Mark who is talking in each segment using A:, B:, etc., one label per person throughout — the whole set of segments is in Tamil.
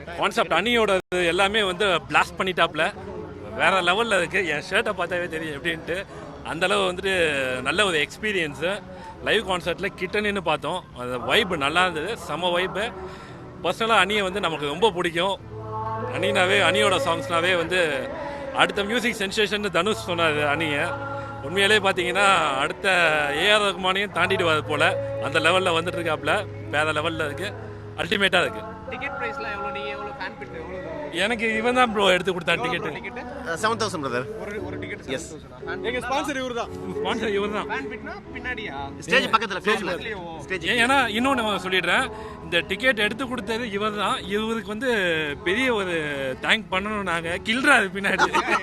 A: கான்செப்ட் அணியோட எல்லாமே வந்து பிளாஸ்ட் பண்ணிட்டாப்ல, வேற லெவலில் இருக்குது. என் ஷர்ட்டை பார்த்தாவே தெரியும் எப்படின்ட்டு. அந்தளவு வந்துட்டு நல்ல ஒரு எக்ஸ்பீரியன்ஸு. லைவ் கான்சர்ட்டில் கிட்டன்னு பார்த்தோம், அந்த வைப்பு நல்லா இருந்தது, செம வைப்பு. பர்சனலாக அணியை வந்து நமக்கு ரொம்ப பிடிக்கும். அணியோட சாங்ஸ்னாவே வந்து அடுத்த மியூசிக் சென்சேஷன் தனுஷ் சொன்னார் அணியை. உண்மையிலே பார்த்தீங்கன்னா அடுத்த ஏஆர் ரஹ்மானையும் தாண்டிடுவாது போல், அந்த லெவலில் வந்துட்டு இருக்காப்புல. வேறு லெவலில் இருக்குது, அல்டிமேட்டாக இருக்குது.
B: டிக்கெட் பிரைஸ்லாம் எவ்வளோ? நீங்கள் எவ்வளோ ஃபேன் பிட் எவ்வளோ?
A: எனக்கு இவன் தான் ப்ரோ எடுத்து கொடுத்தான் டிக்கெட்.
C: 7,000 பிரதர்.
B: ஒரு டிக்கெட்
C: எஸ்.
B: எங்க ஸ்பான்சர் இவர்தான்.
A: ஸ்பான்சர் இவர்தான்.
B: ஃபேன் பிட்னா பின்னாடியா?
C: ஸ்டேஜ் பக்கத்துல ஃபேஸ்ல ஸ்டேஜ்.
A: ஏன்னா இன்னொன்று சொல்லிடுறேன், இந்த டிக்கெட் எடுத்து கொடுத்தது இவர் தான். இவருக்கு வந்து பெரிய ஒரு தேங்க் பண்ணணும். நாங்கள் கில்றாரு பின்னாடி.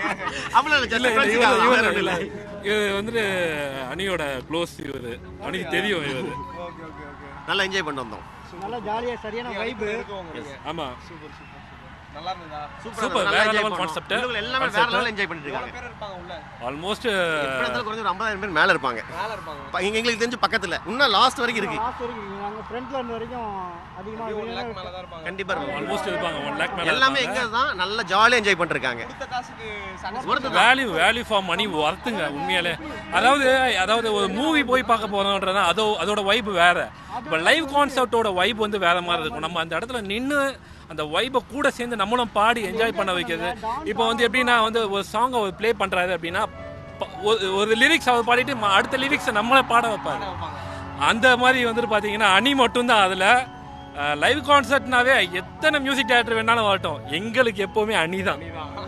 A: இவர் வந்துட்டு அணியோட க்ளோஸ். இவர் அணிக்கு தெரியும். இவர்
C: நல்லா என்ஜாய் பண்ணி வந்தோம்.
D: நல்லா ஜாலியாக சரியான வைப்பு.
A: ஆமா,
B: சூப்பர் சூப்பர் நல்லா இருந்ததா?
A: சூப்பர், வேற லெவல் கான்செப்ட்.
C: எல்லாமே வேற லெவல் என்ஜாய் பண்ணிட்டு இருக்காங்க.
B: பேர் இருப்பாங்க உள்ள.
A: ஆல்மோஸ்ட்
C: எப்படத்துல குறைஞ்ச ஒரு 50,000 பேர் மேல இருப்பாங்க. எங்களுக்கு தெரிஞ்சு பக்கத்துல இன்னும் லாஸ்ட் வரைக்கும் இருக்கு.
D: லாஸ்ட் வரைக்கும் நாங்கள் ஃப்ரண்ட்ல இருந்த வரைக்கும் அதிகமாக
B: 1 லாக் மேல தான் இருப்பாங்க.
C: கண்டிப்பா இருப்பாங்க.
A: ஆல்மோஸ்ட் இருப்பாங்க 1 லேக் மேல.
C: எல்லாமே எங்க தான் நல்லா ஜாலியா என்ஜாய் பண்ணிட்டு இருக்காங்க.
B: கொடுத்த காசுக்கு
A: வேல்யூ ஃபார் மணி வர்த்துங்க உண்மையாலே. அதாவது ஒரு மூவி போய் பார்க்க போறோம்ன்றதா அதோட வைப் வேற. இப்போ லைவ் கான்செப்டோட வைப் வந்து வேற மாதிரி இருக்கும். நம்ம அந்த இடத்துல நின்று அந்த வைப்பை கூட சேர்ந்து நம்மளும் பாடி என்ஜாய் பண்ண வைக்கிறது. இப்போ வந்து எப்படின்னா வந்து ஒரு சாங்கை ப்ளே பண்ணுறாரு அப்படின்னா ஒரு லிரிக்ஸ் அவர் பாடிட்டு அடுத்த லிரிக்ஸை நம்மளை பாட வைப்பாரு. அந்த மாதிரி வந்துட்டு பார்த்தீங்கன்னா அணி மட்டும்தான் அதில். லைவ் கான்சர்ட்னாவே எத்தனை மியூசிக் டைரக்டர் வேணாலும் வரட்டும், எங்களுக்கு எப்போவுமே அணி தான்.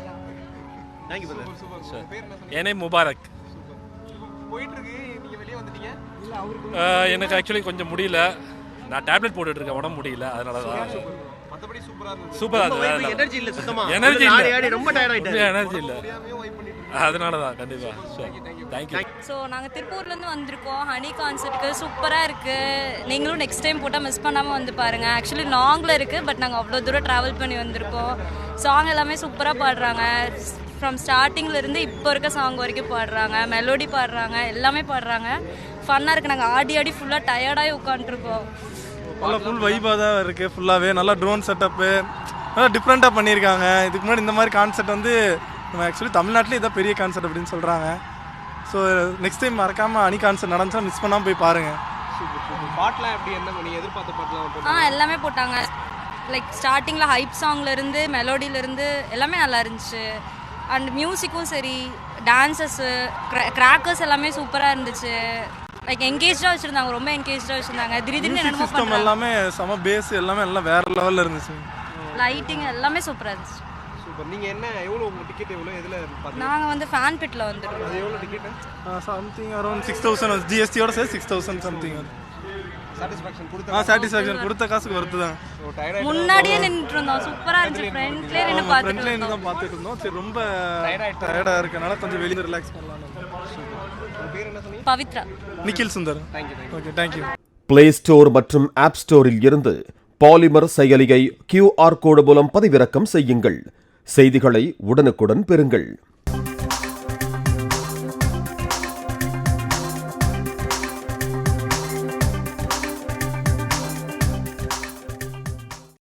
A: ஏனே முபாரக்.
B: போயிட்டு இருக்கு, நீங்க வெளியே வந்துட்டீங்க.
A: எனக்கு ஆக்சுவலி கொஞ்சம் முடியல, நான் டேப்லெட் போட்டுட்டு இருக்கேன், உடம்பு முடியல, அதனால தான்.
B: மத்தபடி சூப்பரா
A: சூப்பரா
C: இருந்தது. எனர்ஜி இல்ல சுத்தமா.
A: எனர்ஜி இல்ல.
C: ஆடி ரொம்ப டயர்ட் ஆயிட்டாரு.
A: எனர்ஜி இல்ல. அதனால தான் கண்டிப்பா. Thank you.
E: ஸோ நாங்கள் திருப்பூர்லேருந்து வந்திருக்கோம் ஹனி கான்சர்ட்டுக்கு. சூப்பராக இருக்குது. நீங்களும் நெக்ஸ்ட் டைம் போட்டால் மிஸ் பண்ணாமல் வந்து பாருங்கள். ஆக்சுவலி லாங்கில் இருக்குது, பட் நாங்கள் அவ்வளோ தூரம் ட்ராவல் பண்ணி வந்திருக்கோம். சாங் எல்லாமே சூப்பராக பாடுறாங்க. ஃப்ரம் ஸ்டார்டிங்லேருந்து இப்போ இருக்க சாங் வரைக்கும் பாடுறாங்க, மெலோடி பாடுறாங்க, எல்லாமே பாடுறாங்க. ஃபன்னாக இருக்குது. நாங்கள் ஆடி ஃபுல்லாக டயர்டாகி உட்காந்துருக்கோம்.
F: நல்லா ஃபுல் வைப்பாக தான் இருக்குது. ஃபுல்லாகவே நல்லா ட்ரோன் செட்டப்பு நல்லா டிஃப்ரெண்ட்டாக பண்ணியிருக்காங்க. இதுக்கு முன்னாடி இந்த மாதிரி கான்செப்ட் வந்து நம்ம ஆக்சுவலி தமிழ்நாட்டிலே இதான் பெரிய கான்செப்ட் அப்படின்னு சொல்கிறாங்க. ஸோ நெக்ஸ்ட் டைம் மறக்காமல் அணி கான்செப்ட் நடந்துச்சா மிஸ் பண்ணாமல் போய் பாருங்கள்.
B: பாட்டெலாம் எப்படி, என்ன நீங்கள் எதிர்பார்த்த பாட்டெலாம்?
E: எல்லாமே போட்டாங்க. லைக் ஸ்டார்டிங்கில் ஹைப் சாங்லேருந்து மெலோடியிலேருந்து எல்லாமே நல்லா இருந்துச்சு. அண்ட் மியூசிக்கும் சரி, டான்ஸஸ்ஸு, கிராக்கர்ஸ் எல்லாமே சூப்பராக இருந்துச்சு. லைக் என்கேஜாக வச்சுருந்தாங்க, ரொம்ப என்கேஜாக வச்சுருந்தாங்க. திடீர்னு என்னமோ
F: சிஸ்டம் எல்லாமே செம பேஸ் எல்லாமே எல்லாம் வேறு லெவலில் இருந்துச்சு.
E: லைட்டிங் எல்லாமே சூப்பராக இருந்துச்சு.
B: சூப்பர். நீங்கள் என்ன எவ்வளோ உங்கள் டிக்கெட் எவ்வளோ எதில் பார்த்தீங்க?
E: நாங்கள் வந்து ஃபேன் பிட்டில் வந்துருக்கோம்.
B: அது எவ்வளோ டிக்கெட்டு?
F: சம்திங் அரௌண்ட் 6,000 ஜிஎஸ்டியோட சேர்த்து 6,000 சம்திங்.
B: சாட்டிஸ்ஃபேக்ஷன் கொடுத்த
F: சாட்டிஸ்ஃபேக்ஷன் கொடுத்த காசுக்கு வருது தான்.
E: முன்னாடியே நின்றுட்டு இருந்தோம், சூப்பராக இருந்துச்சு. ஃப்ரெண்ட்லேயே நின்று
F: பார்த்துட்டு இருந்தோம். சரி ரொம்ப டயர்டாக இருக்கனால கொஞ்சம் வெளியே ரிலாக்ஸ் பண்ணலாம்.
E: Pavithra.
F: Nikhil Sundar. Okay, thank you.
G: Play store மற்றும் ஆப் ஸ்டோரில் இருந்து பாலிமர் செயலியை QR கோடு மூலம் பதிவிறக்கம் செய்யுங்கள். செய்திகளை உடனுக்குடன் பெறுங்கள்.